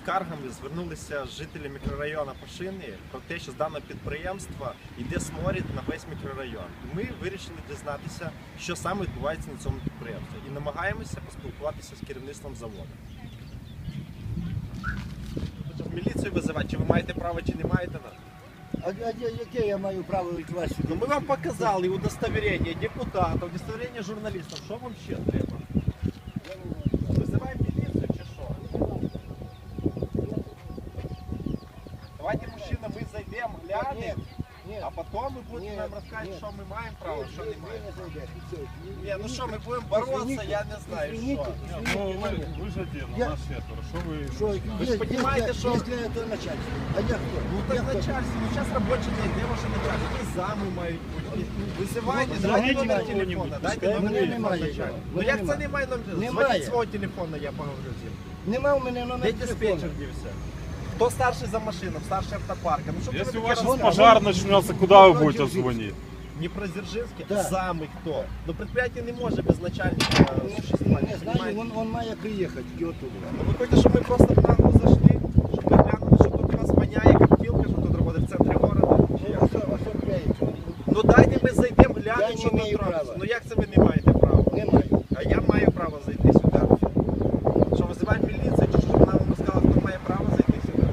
скаргами звернулися жителі мікрорайону Пашини про те, що з даного підприємства йде сморід на весь мікрорайон. І ми вирішили дізнатися, що саме відбувається на цьому підприємстві. І намагаємося поспілкуватися з керівництвом заводу. В міліцію визивати, чи ви маєте право, чи не маєте? А яке я маю право від вас сюди? Ну, ми вам показали удостоверення депутатів, удостоверення журналістів. Що вам ще треба? Визиваємо міліцію чи що? Давайте, мужчина, ми зайдемо, глянемо, а потім ви будете нам розказувати, що ми маємо право, що не маємо. Ні, ну що, ми будемо боротися, я не знаю, що. Ну, вы же один, у нас четверо. Что вы... Ви ж розумієте, що... Якщо це начальство. А я хто? Ну так начальство, ну зараз робочий день, де ваше начальство? Які зами мають бути? Визивайте, дайте номер телефона, дайте номер телефона начальства. Ну як це немає номер? Звоніть свого телефона, я поговорю з ним. Нема у мене номер Де телефону. диспетчер дівся? Хто старший за машину, старший автопарка? Ну, що Если ви у вас таке сейчас розказуєте? пожар начнется, куда вы будете звонить? Дніпродзержинський? Да. Зами хто? Ну предприятие не може без начальника существувати. Не знаю, он має приїхати оттуда. Ну ви хочете, щоб ми просто в нахуй зайшли? Щоб ви глянули, що тут у нас воняє коптілка, що тут робить в центрі города? Чи як? Ну дайте ми зайдемо, Я глянемо, не що тут маю робиться. права. Ну як це ви не маєте права? Не маю. А я маю право зайти сюди. Що, визиваємо міліцію, чи що вона вам розказала, хто має право зайти сюди?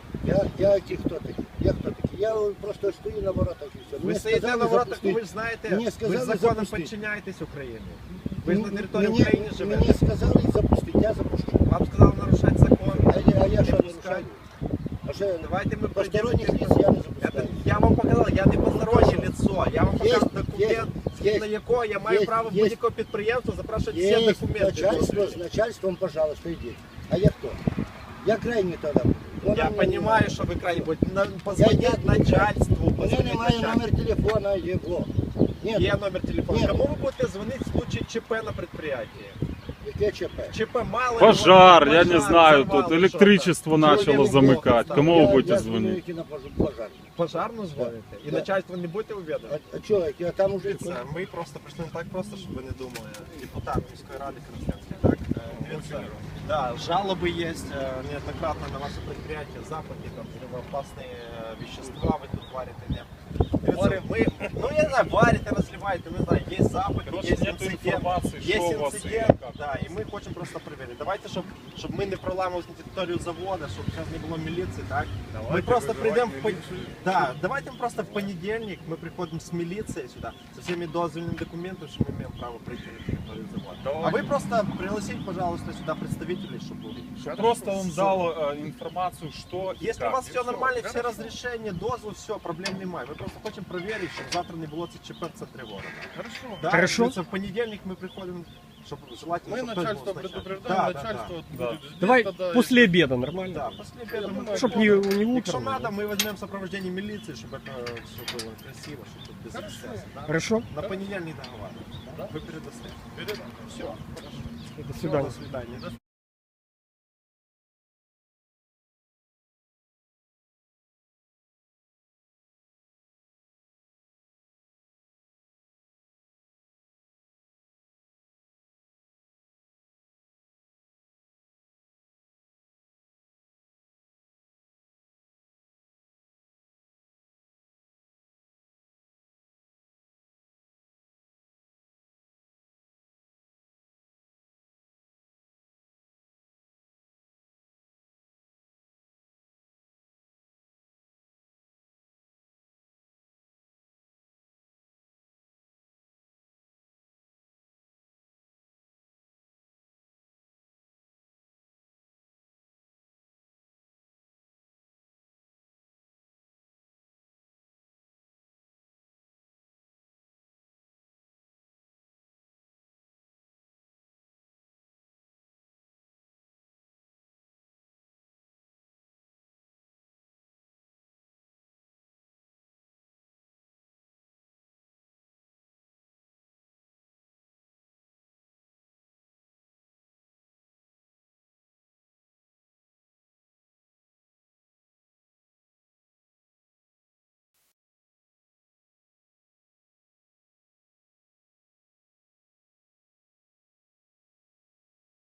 Я хто такий? Я хто такий? Я просто стою на воротах і все. Ви Мені стоїте сказали на воротах, запустити. ви ж знаєте, Мені ви ж сказали законом запустити. підчиняєтесь Україні. Ви ж на території Мені- України живете. Мені сказали запустити, я запущу. Вам сказали нарушати закон. А я що не пускаю. нарушаю? А що, Давайте ми посторонніх пройдемо. лиц я не запускаю. Я вам показав, я не постороннє лицо. Я вам Є, показав документ, є, на якого я маю є, право є. будь-якого підприємства запрашувати всі Есть документи. начальство, с начальством, пожалуйста, идите. А я кто? Я крайний тогда. Я розумію, що ви крайні будете. Позвоніть начальству. У мене позвоніть немає начальству. номер телефона його. Нет, Є номер телефону. Нет. Кому ви будете дзвонити в случае ЧП на предприятии? яке ЧП? ЧП мало. Пожар, ли, я не знаю, тут взорвало электричество что-то. начало Человек плохо замыкать. стал. Кому вы Я будете звоню звонить? тільки на пожар. Пожарну дзвоните? І Да. начальство не будете увідомити? А чого, я там уже... Дивіться, ми просто прийшли не так просто, щоб ви не думали. Депутат міської ради Краснянської, так? Дивіться, да, жалоби є неоднократно на ваше предприятие, запахи, там, взрывоопасные вещества ви тут варите, не? Дивіться, ми, ну я не знаю, варите, розливаєте, не знаю, є запахи, Короче, є нету інцидент, информации, є что у вас и інцидент, как. да, і ми хочемо просто перевірити. Давайте, щоб ми не проламувалися на територію заводу, щоб зараз не було міліції, так? Ми просто прийдемо в да, давайте просто в понедельник мы приходим с милицией сюда, со всеми дозвольными документами, что мы имеем право прийти на территорию завода. А вы просто пригласите, пожалуйста, сюда представителей, чтобы были. Просто он дал информацию, что и Если у как, вас и все всё. нормально, все разрешения, дозвол, все, проблем немає. Ми просто хочемо проверить, щоб завтра не було це ЧП в центрі города. Хорошо. Да, Хорошо. дивіться, в понедельник мы приходим, чтобы желательно, Мы чтобы начальство кто-то был с предупреждаем, Да, начальство да. будет здесь Давай тогда, после обеда, нормально? Да, после обеда мы Чтоб не Якщо утром. надо, мы возьмем сопровождение милиции, чтобы это все было красиво, чтобы тут без эксцесса. Да? Хорошо? На понедельник договариваемся. Да? Вы передасте. Все. До До свидания. свидания.